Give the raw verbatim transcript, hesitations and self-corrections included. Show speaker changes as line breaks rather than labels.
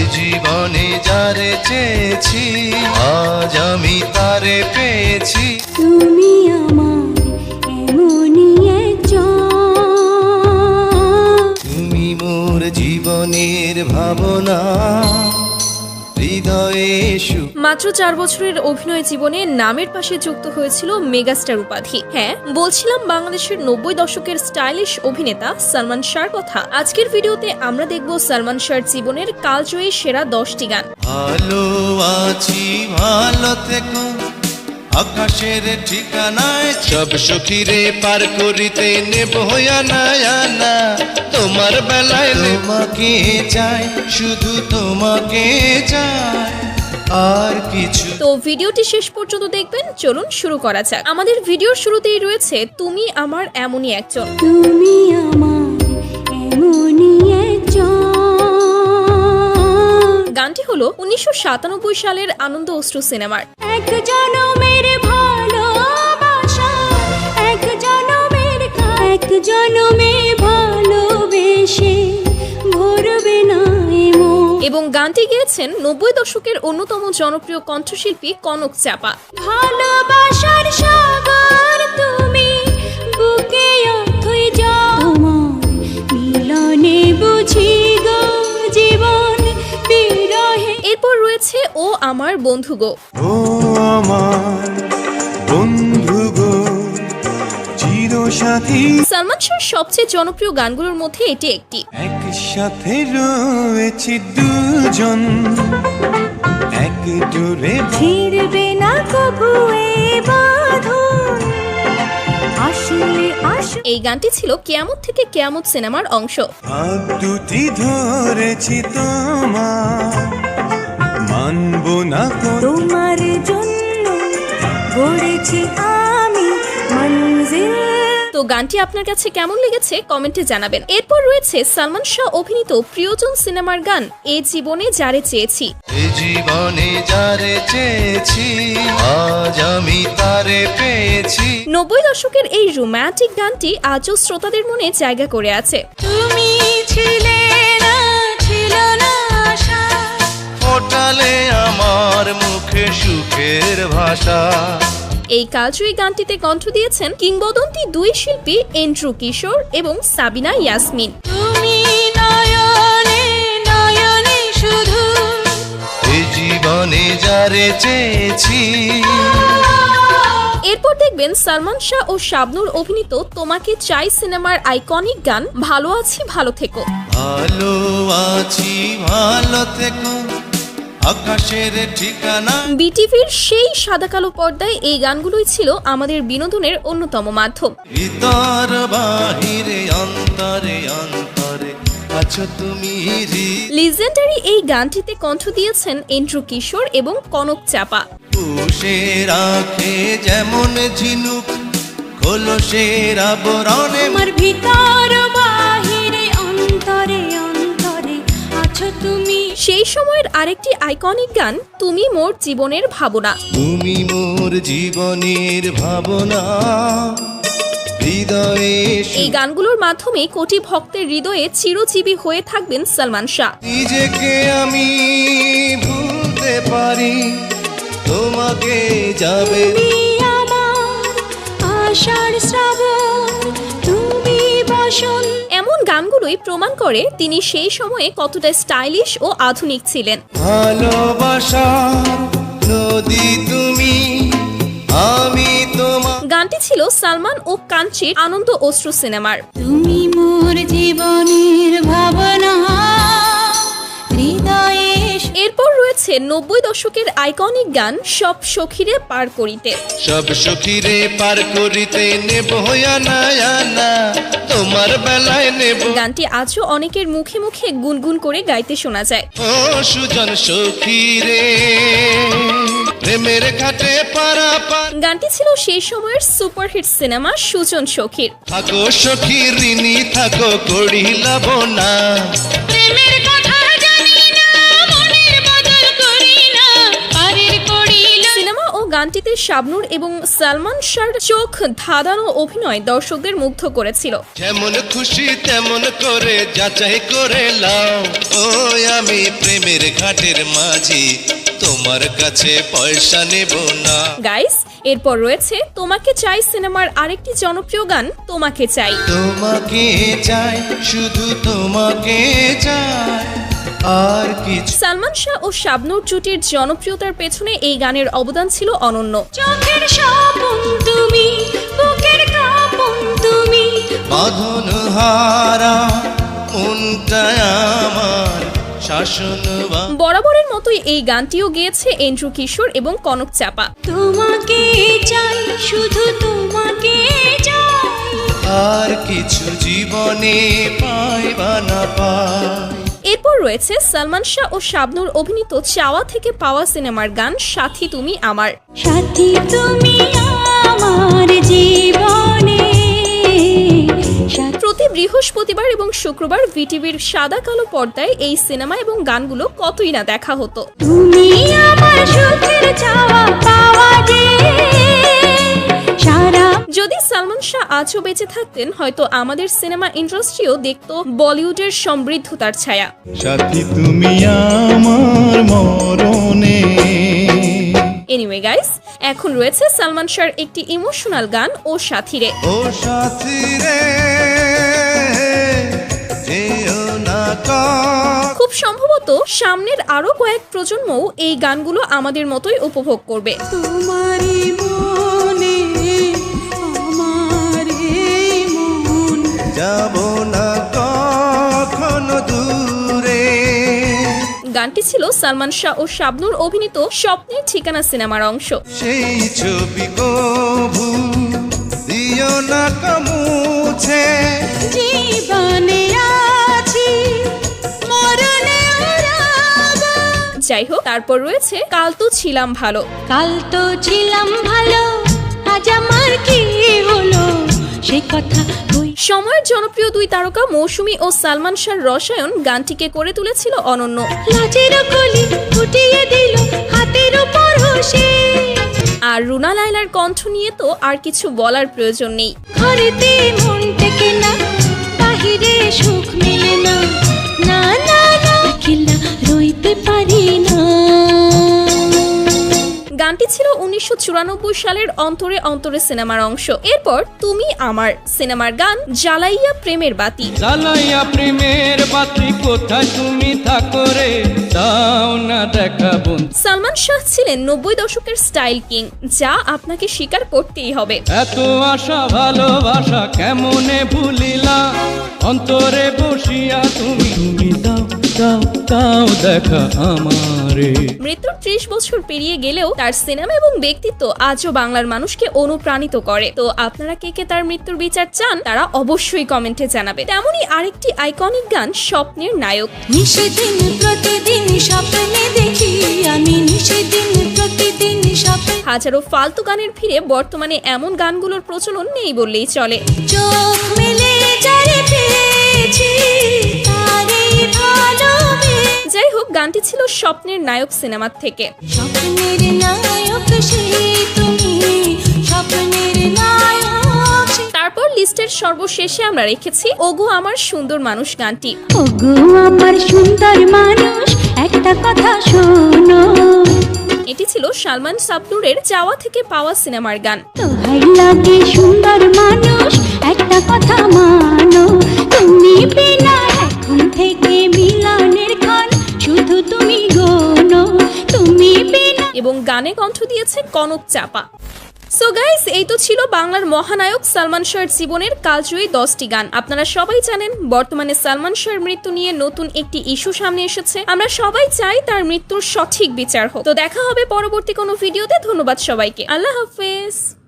জীবনে যারে চেয়েছি আজ আমি তারে পেয়েছি।
তুমি আমার এমনই একজন,
তুমি মোর জীবনের ভাবনা হৃদয়ে সুখ।
মাত্র চার বছরের অভিনয় জীবনে নামের পাশে যুক্ত হয়েছিল মেগাস্টার উপাধি। হ্যাঁ, বলছিলাম বাংলাদেশের নব্বই দশকের স্টাইলিশ অভিনেতা সালমান শাহর কথা। আজকের ভিডিওতে আমরা দেখব সালমান শাহর জীবনের কালজয়ী সেরা দশটি গান।
ভালো আছি ভালো থেকো আকাশের ঠিকানায় সব সখীরে পার করিতে নেব না না তোমার বেলায় তোমাকে চাই শুধু তোমাকে চাই আর কিছু।
তো ভিডিওটি শেষ পর্যন্ত দেখবেন। চলুন শুরু করা যাক। আমাদের ভিডিওর শুরুতেই রয়েছে তুমি আমার এমনই একজন।
তুমি আমার এমনই একজন।
গানটি হলো উনিশশো সাতানব্বই সালের আনন্দ অশ্রু সিনেমার।
এক জনমের ভালোবাসা, এক জনমের এক জনমে ভালোবেসে ভরবে না এমন।
এবং গানটি গেয়েছেন নব্বই দশকের অন্যতম জনপ্রিয় কণ্ঠশিল্পী কনক চাপা।
ভালোবাসার সাগর তুমি বুকে অথই যাও, তোমার মিলনে বুঝি গো জীবন বিরহে।
এরপর রয়েছে ও আমার বন্ধু গো।
ও আমার বন্ধু গো চিরসাথী।
সালমান শাহর সবচেয়ে জনপ্রিয় গানগুলোর মধ্যে এটি একটি।
একসাথে রয়েছি দুজন এক জোরে
ছিড়বে না কবু এ বাঁধন, আসলে আসলে।
এই গানটি ছিল কেয়ামত থেকে কেয়ামত সিনেমার অংশ।
হাত দুটি ধরেছি তোমার মানব না
তোমার জন্য গড়েছি আমি মঞ্জিল।
তো গানটি আপনার কাছে কেমন লেগেছে কমেন্টে জানাবেন। এরপর রয়েছে সালমান শাহ অভিনীত প্রিয়জন সিনেমার গান এ জীবনে যারে চেয়েছি।
এ জীবনে যারে চেয়েছি আজ আমি তারে পেয়েছি।
নব্বই দশকের এই রোম্যান্টিক গানটি আজও শ্রোতাদের মনে জায়গা করে আছে।
তুমি ছিলে না, ছিল না আশা,
ফোটালে আমার মুখে সুখের ভাষা।
এই কালজয়ী গানটিতে কণ্ঠ দিয়েছেন কিংবদন্তি দুই শিল্পী এন্ড্রু কিশোর এবং সাবিনা ইয়াসমিন।
তুমি নয়নে নয়নে শুধু
এ জীবনে যারে চেয়েছি।
এরপর দেখবেন সালমান শাহ ও শাবনূর অভিনীত তোমাকে চাই সিনেমার আইকনিক গান ভালো আছি ভালো থেকো।
ভালো আছি ভালো থেকো আকাশের ঠিকানা।
বিটিভির সেই সাদা কালো পর্দায় এই গানগুলোই ছিল আমাদের বিনোদনের অন্যতম মাধ্যম।
ভিতর বাহিরে অন্তরে অন্তরে আছো তুমি।
লিজেন্ডারি এই গানটিতে কণ্ঠ দিয়েছেন এন্ড্রু কিশোর এবং কনক চাপা।
পুষে রাখে যেমন ঝিনুক খোলসের আবরণে
আমার ভিতর বাহিরে অন্তরে অন্তরে আছো তুমি।
সেই সময়ের আরেকটি আইকনিক গান তুমি মোর জীবনের ভাবনা।
তুমি মোর জীবনের ভাবনা হৃদয়ে
এই গানগুলোর মাধ্যমে কোটি ভক্তের হৃদয়ে চিরজীবী হয়ে থাকবেন সালমান শাহ।
নিজেকে আমি ভুলতে পারি তোমাকে যাবে
তুমি আমার আশার শ্রাবণ, তুমি বসন্ত।
এমন গানগুলোই প্রমাণ করে তিনি সেই সময়ে কতটা স্টাইলিশ ও আধুনিক ছিলেন।
ভালোবাসা নদী তুমি আমি তোমার।
গানটি ছিল সালমান ও কাঞ্চির আনন্দ অশ্রু সিনেমার।
তুমি মোর জীবনের ভাবনা হৃদয়ে।
এরপর রয়েছে নব্বই দশকের আইকনিক গান সব সখীরে পার করিতে।
সব সখীরে পার করিতে নেব না না তোমার বেলায় নেব।
গানটি আজও অনেকের মুখে মুখে গুনগুন করে গাইতে শোনা যায়।
ও সুজন সখীরে প্রেমের ঘাটে পারাপার।
গানটি ছিল সেই সময়ের সুপারহিট সিনেমা সুজন সখীর।
থাকো সখী ঋণী থাকো করিলাব না
প্রেমের কথা জানি না মনের বদল করি না পারের করিল।
সিনেমা ও গানটিতে শাবনূর এবং সালমান শাহর চোখ ধাঁধানো অভিনয় দর্শকদের মুগ্ধ করেছিল।
যেমন খুশি তেমন করে যাচাই করে লাও, ওই আমি প্রেমের ঘাটের মাঝি, তোমার কাছে পয়সা নেব না।
গাইস, এরপর রয়েছে তোমাকে চাই সিনেমার আরেকটি জনপ্রিয় গান তোমাকে চাই।
তোমাকে চাই, শুধু তোমাকে চাই, আর কিছু।
সালমান শাহ ও শাবনূর জুটির জনপ্রিয়তার পেছনে এই গানের অবদান ছিল অনন্য।
চোখের স্বপন তুমি, বুকের কাঁপন তুমি,
বাঁধন হারা মনটা আমার শাসন।
বরাবরের মতোই এই গানটিও গেয়েছে এন্ড্রু কিশোর এবং কনক চাপা।
তোমাকে চাই, শুধু তোমাকে চাই,
আর কিছু জীবনে পাইবা না পাই।
এরপর রয়েছে সালমান শাহ ও শাবনূর অভিনীত চাওয়া থেকে পাওয়া সিনেমার গান সাথী তুমি আমার।
সাথী তুমি আমার জীবনে।
প্রতি বৃহস্পতিবার এবং শুক্রবার ভিটিভির সাদা কালো পর্দায় এই সিনেমা এবং গানগুলো কতই না দেখা হতো।
তুমি আমার সুখের চাওয়া পাওয়া যে সারা।
যদি সালমান শাহ আজও বেঁচে থাকতেন, হয়তো আমাদের সিনেমা ইন্ডাস্ট্রিও দেখত বলিউডের সমৃদ্ধতার ছায়া।
সাথী তুমি আমার মরণে।
এনিওয়ে গাইস, এখন রয়েছে সালমান শাহর একটি ইমোশনাল গান ও সাথী রে।
ও সাথী রে, যেও না কখনো।
খুব সম্ভবত সামনের আরো কয়েক প্রজন্মও এই গানগুলো আমাদের মতোই উপভোগ করবে।
তোমারই মনে আমার এই মন,
যাব না কখনো দূরে।
গানটি ছিল সালমান শাহ ও শাবনূর অভিনীত স্বপ্নের ঠিকানা সিনেমার অংশ।
সেই ছবি কবু দিও না কমুছে,
জীবনে আছি মরণে রব।
যাই হোক, তারপর রয়েছে কাল তো ছিলাম ভালো।
কাল তো ছিলাম ভালো, আজ আমার কি হলো সে কথা কই।
সময়ের জনপ্রিয় দুই তারকা মৌসুমী ও সালমান শাহর রসায়ন গানটিকে করে তুলেছিল অনন্য।
লাজের কলি ফুটিয়ে দিল হাতের উপর হোসে,
আর রুনা লায়লার কণ্ঠ নিয়ে তো আর কিছু বলার প্রয়োজন নেই।
ঘরেতে মন টেকে না, বাহিরে সুখ মেলে না, না না না একলা রইতে পারি না।
গানটি ছিল উনিশশো চুরানব্বই সালের অন্তরে অন্তরে সিনেমার অংশ। এরপর তুমি আমার সিনেমার গান জ্বালাইয়া প্রেমের বাতি।
জ্বালাইয়া প্রেমের বাতি কোথায় তুমি থাকো রে, দাও না দেখা বন্ধু।
সালমান শাহ ছিলেন নব্বই দশকের স্টাইল কিং, যা আপনাকে স্বীকার করতেই হবে।
এত আশা ভালোবাসা কেমনে ভুলিলা, অন্তরে বসিয়া তুমি তুমি দাও দাও দাও দেখা আমারে।
মৃত্যুর ত্রিশ বছর পেরিয়ে গেলেও তার সিনেমা এবং ব্যক্তিত্ব আজও বাংলার মানুষকে অনুপ্রাণিত করে। তো আপনারা কে কে তার মৃত্যুর বিচার চান, তারা অবশ্যই কমেন্টে জানাবে। তেমনই আরেকটি আইকনিক গান স্বপ্নের নায়ক।
নিষেদিন প্রতিদিন স্বপ্নে দেখি আমি, নিষেদিন প্রতিদিন স্বপ্নে।
হাজারো ফালতু গানের ভিড়ে বর্তমানে এমন গানগুলোর প্রচলন নেই বললেই চলে।
চোখ মেলে যারে পেয়েছি তারে ভালোবেসে।
যাই হোক, গানটি ছিল স্বপ্নের নায়ক সিনেমার থেকে।
স্বপ্নের নায়ক সেই তুমি, স্বপ্নের নায়ক সেই।
তারপর লিস্টের সর্বশেষে আমরা রেখেছি ওগো আমার সুন্দর মানুষ গানটি।
ওগো আমার সুন্দর মানুষ একটা কথা শোনো,
এটি ছিল সালমান শাবনূরের চাওয়া থেকে পাওয়া সিনেমার গান।
তোহাই লাগে সুন্দর মানুষ একটা কথা মানো, তুমি বিনা এখন থেকে মিলনের ক্ষণ শুধু তুমি গোনো, তুমি বিনা।
এবং গানে কণ্ঠ দিয়েছে কনক চাপা। সো গাইস, এই তো ছিল বাংলার মহানায়ক সালমান শাহর জীবনের কালজয়ী দশটি গান। আপনারা সবাই জানেন বর্তমানে সালমান শাহর মৃত্যু নিয়ে নতুন একটি ইস্যু সামনে এসেছে। আমরা সবাই চাই তার মৃত্যুর সঠিক বিচার হোক। তো দেখা হবে পরবর্তী কোনো ভিডিওতে। ধন্যবাদ সবাইকে, আল্লাহ হাফেজ।